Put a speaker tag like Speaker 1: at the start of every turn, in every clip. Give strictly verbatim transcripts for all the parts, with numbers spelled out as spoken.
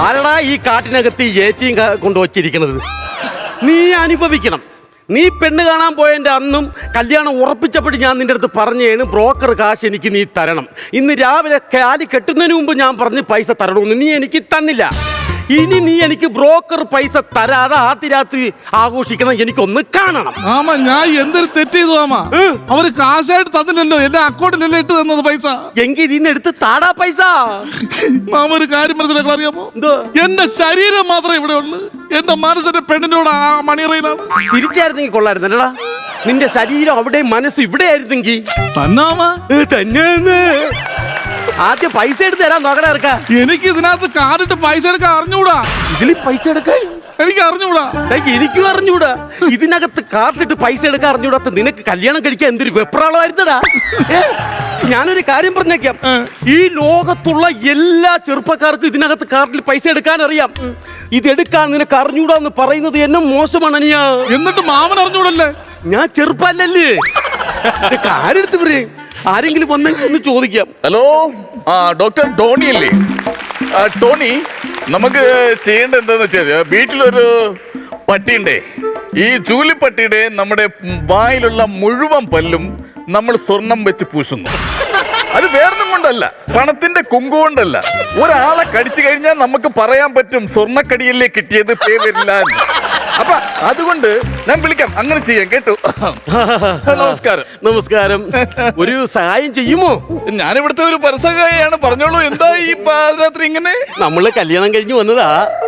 Speaker 1: ആരടാ ഈ കാട്ടിനകത്ത് ഏറ്റിയും കൊണ്ടുവച്ചിരിക്കുന്നത്? നീ അനുഭവിക്കണം. നീ പെണ്ണ് കാണാൻ പോയതിൻ്റെ അന്നും കല്യാണം ഉറപ്പിച്ചപ്പോൾ ഞാൻ നിന്റെ അടുത്ത് പറഞ്ഞേണ് ബ്രോക്കർ കാശ് എനിക്ക് നീ തരണം. ഇന്ന് രാവിലെ കാലി കെട്ടുന്നതിന് മുമ്പ് ഞാൻ പറഞ്ഞ് പൈസ തരണമെന്ന് നീ എനിക്ക് തന്നില്ല. ഇനി നീ എനിക്ക് ബ്രോക്കർ പൈസ തരാതെ ആദ്യ രാത്രി ആഘോഷിക്കണം. എനിക്കൊന്ന് കാണണം.
Speaker 2: മാമ ഞാൻ എന്തൊരു തെറ്റ് ചെയ്തു മാമ. അവര് കാശായിട്ട് തന്നില്ലല്ലോ, എന്റെ അക്കൗണ്ടിലല്ലേ ഇട്ട് തന്നത് പൈസ.
Speaker 1: എങ്കിൽ ഇതിന്ന് എടുത്ത് താടാ പൈസ.
Speaker 2: മാമ ഒരു കാര്യം മനസ്സിലാക്കാൻ അറിയാമോ? എന്റെ ശരീരം മാത്രമേ ഇവിടെ ഉള്ളു, എന്റെ മനസ്സിന്റെ പെണ്ണിനോട് ആ മണിയറയിലാണ്.
Speaker 1: തിരിച്ചായിരുന്നെങ്കിൽ കൊള്ളായിരുന്നല്ലടാ. നിന്റെ ശരീരം അവിടെ, മനസ്സ് ഇവിടെ ആയിരുന്നെങ്കിൽ തന്നെ. ആദ്യം പൈസ എടുത്ത് തരാൻ നോക്കണ ഇറക്കാം.
Speaker 2: എനിക്ക് ഇതിനകത്ത് കാർഡിട്ട് പൈസ എടുക്കാൻ അറിഞ്ഞൂടാ.
Speaker 1: ഇതിൽ പൈസ എടുക്കാൻ
Speaker 2: എനിക്ക് അറിഞ്ഞൂടാ.
Speaker 1: എനിക്കും അറിഞ്ഞൂടാ. ഇതിനകത്ത് കാർഡിട്ട് പൈസ എടുക്കാൻ അറിഞ്ഞൂടാത്ത നിനക്ക് കല്യാണം കഴിക്കാൻ എന്തൊരു വെപ്രാളമായിരുന്നടാ. ഞാനൊരു കാര്യം പറഞ്ഞേക്കാം, ഈ ലോകത്തുള്ള എല്ലാ ചെറുപ്പക്കാർക്കും ഇതിനകത്ത് കാർഡിൽ പൈസ എടുക്കാൻ അറിയാം. ഇതെടുക്കാൻ നിനക്ക് അറിഞ്ഞൂടാന്ന് പറയുന്നത് എന്നെ മോശമാണ് അനിയാ.
Speaker 2: എന്നിട്ട് മാമൻ അറിഞ്ഞൂടല്ലേ?
Speaker 1: ഞാൻ ചെറുപ്പല്ലേ. ആരെടുത്ത് പറയും? ആരെങ്കിലും വന്നെങ്കിൽ ഒന്ന് ചോദിക്കാം.
Speaker 3: ഹലോ, ആ ഡോക്ടർ ടോണി അല്ലേ? ടോണി, നമുക്ക് ചെയ്യേണ്ടത് എന്താന്ന് വെച്ചാൽ, വീട്ടിലൊരു പട്ടിയുണ്ടേ. ഈ ചൂലിപ്പട്ടിയുടെ നമ്മുടെ വായിലുള്ള മുഴുവൻ പല്ലും നമ്മൾ സ്വർണം വെച്ച് പൂശുന്നു. അത് വേറൊന്നും കൊണ്ടല്ല, പണത്തിന്റെ കുങ്കു കൊണ്ടല്ല. ഒരാളെ കടിച്ചു കഴിഞ്ഞാൽ നമുക്ക് പറയാൻ പറ്റും സ്വർണ്ണക്കടിയല്ലേ കിട്ടിയത്, പേ വരില്ല. അപ്പൊ അതുകൊണ്ട് ഞാൻ വിളിക്കാം, അങ്ങനെ ചെയ്യാം കേട്ടോ. നമസ്കാരം.
Speaker 1: നമസ്കാരം. ഒരു സഹായം ചെയ്യുമോ?
Speaker 3: ഞാനിവിടുത്തെ ഒരു പരസഹായാണ്, പറഞ്ഞോളൂ. എന്താ ഈ പാതിരാത്രി ഇങ്ങനെ?
Speaker 1: നമ്മള് കല്യാണം കഴിഞ്ഞു വന്നതാ.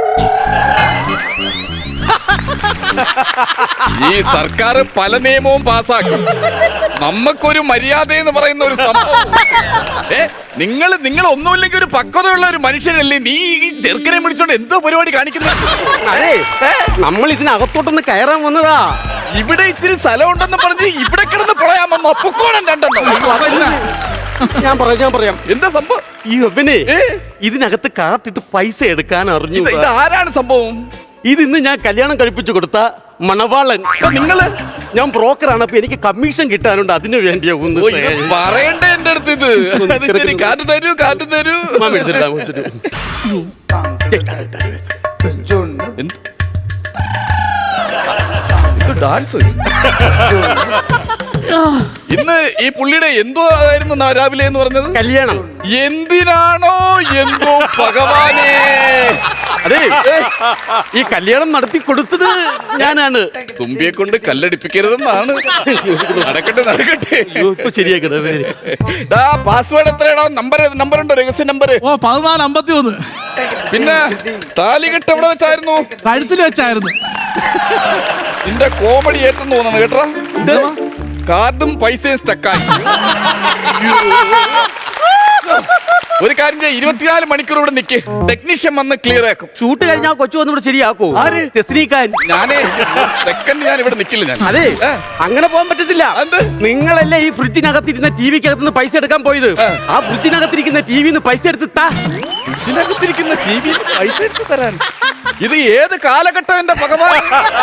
Speaker 3: ഈ സർക്കാർ പല നിയമവും പാസ്സാക്കും. നമുക്കൊരു മര്യാദ എന്ന് പറയുന്ന ഒരു സംഭവം. ഏ നിങ്ങൾ നിങ്ങൾ ഒന്നുമില്ലെങ്കിൽ ഒരു പക്വതയുള്ള ഒരു മനുഷ്യനല്ലേ? നീ ഈ ചെറുക്കനെ വിളിച്ചോണ്ട് എന്തോ പരിപാടി കാണിക്കുന്നത്?
Speaker 1: അതെ, നമ്മൾ ഇതിനകത്തോട്ടൊന്ന് കയറാൻ വന്നതാ.
Speaker 3: ഇവിടെ ഇച്ചിരി സ്ഥലം ഉണ്ടെന്ന് പറഞ്ഞ് ഇവിടെ കിടന്ന് പൊളയാൻ വന്നു. അപ്പൊക്കോണം രണ്ടെണ്ണം.
Speaker 1: ഞാൻ പറയാം ഞാൻ പറയാം
Speaker 3: എന്താ സംഭവം?
Speaker 1: ഈ ഒവനെ ഇതിനകത്ത് കാത്തിട്ട് പൈസ എടുക്കാൻ അറിഞ്ഞു.
Speaker 3: ഇത് ആരാണ് സംഭവം?
Speaker 1: ഇതിന്ന് ഞാൻ കല്യാണം കഴിപ്പിച്ചു കൊടുത്ത മണവാളൻ.
Speaker 3: നിങ്ങള്?
Speaker 1: ഞാൻ ബ്രോക്കറാണ്, അപ്പൊ എനിക്ക് കമ്മീഷൻ കിട്ടാനുണ്ട്. അതിനു വേണ്ടിയാ ഒന്ന്
Speaker 3: പറയണ്ടേ എന്റെ അടുത്ത് ഇത്? ശരി, കാറ്റ് തരൂ, കാറ്റ് തരൂ. ഡാൻസ് ഇന്ന് ഈ പുള്ളിയുടെ എന്തോ ആയിരുന്നു രാവിലെ എന്ന് പറഞ്ഞത്?
Speaker 1: കല്യാണം.
Speaker 3: എന്തിനാണോ എന്തോ ഭഗവാനേ.
Speaker 1: അതെ, ഈ കല്യാണം നടത്തി കൊടുത്തത് ഞാനാണ്.
Speaker 3: തുമ്പിയെ കൊണ്ട് കല്ലടിപ്പിക്കരുതെന്നാണ്. നടക്കട്ടെ നടക്കട്ടെ,
Speaker 1: ശരിയാക്കട്ടെ.
Speaker 3: പാസ്വേഡ് എത്രയാണോ? നമ്പർ നമ്പർ ഉണ്ടോ? രഹസ്യ നമ്പർ?
Speaker 2: ഓ പതിനാല് അമ്പത്തി ഒന്ന്.
Speaker 3: പിന്നെ താലികെട്ട് എവിടെ വെച്ചായിരുന്നു?
Speaker 2: കഴുത്തിൽ വെച്ചായിരുന്നു.
Speaker 3: നിന്റെ കോമഡി ഏറ്റെന്ന് തോന്നണം കേട്ടോ. കാർഡും പൈസയും സ്റ്റക്കായി. ഒരു കാര്യം ചെയ്യാം, ഇരുപത്തിനാല് മണിക്കൂർ ഇവിടെ നിൽക്ക്, ടെക്നീഷ്യൻ വന്ന് ക്ലിയർ ആക്കും.
Speaker 1: ഷൂട്ട് കഴിഞ്ഞാൽ കൊച്ചു വന്ന് ഇവിടെ ശരിയാക്കോ?
Speaker 3: ആര്?
Speaker 1: തെസ്നീക്കാൻ.
Speaker 3: ഞാനേ സെക്കൻഡ് ഞാൻ ഇവിടെ നിൽക്കില്ല. ഞാൻ
Speaker 1: അതെ, അങ്ങനെ പോകാൻ പറ്റത്തില്ല. നിങ്ങളല്ലേ ഈ ഫ്രിഡ്ജിനകത്തിരുന്ന ടി വിക്കകത്തുനിന്ന് പൈസ എടുക്കാൻ പോയത്? ആ ഫ്രിഡ്ജിനകത്തിരിക്കുന്ന ടി വിന്ന് പൈസ എടുത്ത് താ.
Speaker 3: ഫ്രിഡ്ജിനകത്തിരിക്കുന്ന ടി വി പൈസ എടുത്ത് തരാൻ? ഇത് ഏത് കാലഘട്ടം എന്റെ ഭഗവാൻ?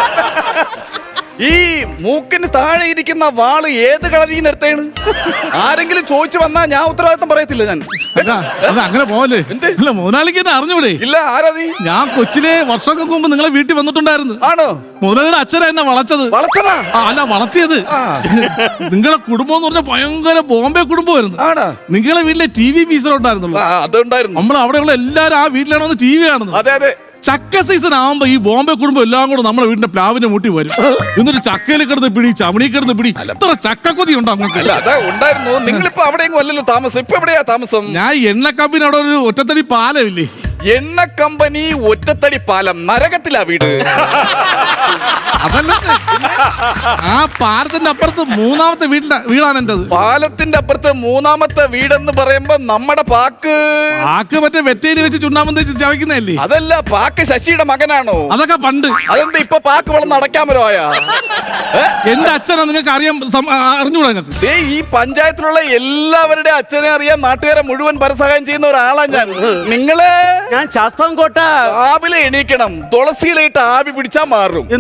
Speaker 3: ഈ മൂക്കിന് താഴെ ഇരിക്കുന്ന വാള് ഏത് കളരിൽ നിന്ന് എടുത്തേണ്? ആരെങ്കിലും ചോദിച്ചു വന്നാ ഞാൻ ഉത്തരവാദിത്തം പറയത്തില്ല. ഞാൻ
Speaker 2: അങ്ങനെ പോവല്ലേ? അല്ല മുതലാളിക്ക് എന്നെ അറിഞ്ഞൂടെ?
Speaker 3: ഇല്ല. ആരാ നീ?
Speaker 2: ഞാൻ കൊച്ചിലെ വർഷങ്ങൾക്ക് മുമ്പ് നിങ്ങളെ വീട്ടിൽ വന്നിട്ടുണ്ടായിരുന്നു.
Speaker 3: ആണോ?
Speaker 2: മുതലാളിയുടെ അച്ഛനാ എന്നെ വളച്ചത്.
Speaker 3: വളച്ചതാ?
Speaker 2: അല്ല, വളർത്തിയത്. നിങ്ങളെ കുടുംബം എന്ന് പറഞ്ഞാൽ ഭയങ്കര ബോംബെ കുടുംബമായിരുന്നു.
Speaker 3: ആണോ?
Speaker 2: നിങ്ങളെ വീട്ടിലെ ടി വി പീസറുണ്ടായിരുന്നുള്ളൂ.
Speaker 3: അതുണ്ടായിരുന്നു.
Speaker 2: നമ്മൾ അവിടെയുള്ള എല്ലാരും ആ വീട്ടിലാണ് വന്ന് ടി വി കാണുന്നത്.
Speaker 3: അതെ അതെ.
Speaker 2: ചക്ക സീസൺ ആവുമ്പോ ഈ ബോംബെ കുടുംബം എല്ലാം കൂടെ നമ്മളെ വീടിന്റെ പ്ലാവിന്റെ മുട്ടി വരും. എന്നിട്ട് ചക്കയിൽ കിടന്ന് പിടി, ചമണി കിടന്ന് പിടി. എത്ര ചക്കക്കൊതി ഉണ്ടോ അങ്ങോട്ട്?
Speaker 3: അല്ല, അതാ ഉണ്ടായിരുന്നു. നിങ്ങളിപ്പോ അവിടെയെങ്കിലും അല്ലല്ലോ താമസം. ഇപ്പൊ എവിടെയാ താമസം?
Speaker 2: ഞാൻ എണ്ണ കമ്പനി അവിടെ ഒരു ഒറ്റത്തടി പാലമില്ലേ?
Speaker 3: എണ്ണ കമ്പനി ഒറ്റത്തടി പാലം നരകത്തിലാ വീട്.
Speaker 2: അതല്ല, ആ പാലത്തിന്റെ അപ്പുറത്ത് മൂന്നാമത്തെ വീട്ടിലെ വീടാണ് എന്റേത്.
Speaker 3: പാലത്തിന്റെ അപ്പുറത്ത് മൂന്നാമത്തെ വീടെന്ന് പറയുമ്പോ നമ്മുടെ പാക്ക്
Speaker 2: പാക്ക് മറ്റേ വെറ്റേരി വെച്ച് ചുണ്ണാമ്പം തേച്ച് ചവയ്ക്കുന്നതല്ലേ?
Speaker 3: അതല്ല, പാക്ക് ശശിയുടെ മകനാണോ?
Speaker 2: അതൊക്കെ പണ്ട്.
Speaker 3: അതെന്താ ഇപ്പൊ പാക്ക് വളർന്ന് അടയ്ക്കാൻ പറ്റുവായാ?
Speaker 2: എന്റെ അച്ഛനാ നിങ്ങൾക്ക് അറിയാൻ അറിഞ്ഞൂടാ? നിങ്ങൾക്ക്
Speaker 3: ഈ പഞ്ചായത്തിലുള്ള എല്ലാവരുടെ അച്ഛനെ അറിയാൻ നാട്ടുകാരെ മുഴുവൻ പരസഹായം ചെയ്യുന്ന ഒരാളാ ഞാൻ. നിങ്ങള്
Speaker 1: ഞാൻ ശാസ്താംകോട്ട.
Speaker 3: രാവിലെ എണീക്കണം, തുളസിയിലായിട്ട് ആവി പിടിച്ചാ മാറും.
Speaker 1: എന്തോന്ന്?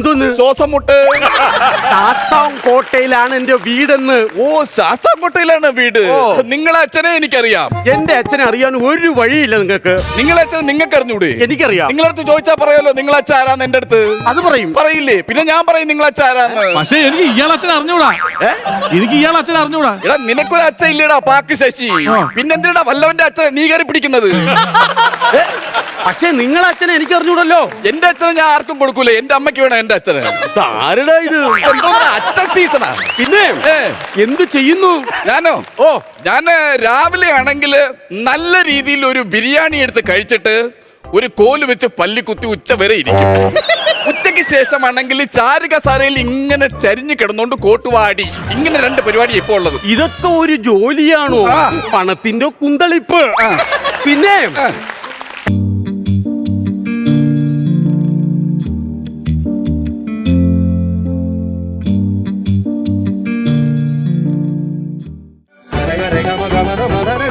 Speaker 3: ശ്വാസം മുട്ട്.
Speaker 1: ശാസ്താംകോട്ടയിലാണ് എന്റെ വീടെന്ന്.
Speaker 3: ഓ, ശാസ്താംകോട്ടയിലാണ് വീട്.
Speaker 1: ഓ.
Speaker 3: നിങ്ങളെ അച്ഛനെ എനിക്കറിയാം.
Speaker 1: എന്റെ അച്ഛനെ അറിയാൻ ഒരു വഴിയില്ല നിങ്ങൾക്ക്.
Speaker 3: നിങ്ങളെ അച്ഛൻ നിങ്ങൾക്ക് അറിഞ്ഞൂടെ?
Speaker 1: എനിക്കറിയാം.
Speaker 3: നിങ്ങളടുത്ത് ചോദിച്ചാ പറയാലോ നിങ്ങളെ അച്ഛൻ ആരാന്ന് എന്റെ അടുത്ത്.
Speaker 1: അത് പറയും.
Speaker 3: പറയില്ലേ? പിന്നെ ഞാൻ പറയും നിങ്ങളെ അച്ഛൻ ആരാന്ന്.
Speaker 2: പക്ഷെ എനിക്ക് ഇയാൾ അച്ഛൻ അറിഞ്ഞൂടാ. എനിക്ക് ഇയാൾ അച്ഛൻ അറിഞ്ഞൂടാ.
Speaker 3: എടാ നിനക്കൊരു അച്ഛൻ ഇല്ലടാ, പാക്ക് ശശി. പിന്നെന്തിനാ വല്ലവന്റെ അച്ഛൻ നീ കയറി പിടിക്കുന്നത്?
Speaker 1: പക്ഷെ നിങ്ങളെ അച്ഛനെ എനിക്ക് അറിഞ്ഞൂടല്ലോ.
Speaker 3: എന്റെ അച്ഛനെ ഞാൻ ആർക്കും കൊടുക്കൂല. എന്റെ അമ്മയ്ക്ക് വേണം എന്റെ അച്ഛന്.
Speaker 1: ആരുടെ ഇത്?
Speaker 3: എന്തോ അച്ഛൻ സീസണാ.
Speaker 1: പിന്നെ
Speaker 3: ഏ.
Speaker 1: എന്ത് ചെയ്യുന്നു?
Speaker 3: ഞാനോ?
Speaker 1: ഓ
Speaker 3: ഞാന് രാവിലെ ആണെങ്കിൽ നല്ല രീതിയിൽ ഒരു ബിരിയാണി എടുത്ത് കഴിച്ചിട്ട് ഒരു കോല് വെച്ച് പല്ലി കുത്തി ഉച്ച വരെ ഇരിക്കും. ഉച്ചയ്ക്ക് ശേഷമാണെങ്കിൽ ചാരുകസാരയിൽ ഇങ്ങനെ ചരിഞ്ഞു കിടന്നോണ്ട് കോട്ടുവാടി. ഇങ്ങനെ രണ്ട് പരിപാടി ഇപ്പൊ ഉള്ളത്.
Speaker 1: ഇതൊക്കെ ഒരു ജോലിയാണോ?
Speaker 3: ആ.
Speaker 1: പണത്തിന്റെ കുന്തളിപ്പ്. പിന്നെ
Speaker 4: Rega, rega, maga, maga, maga,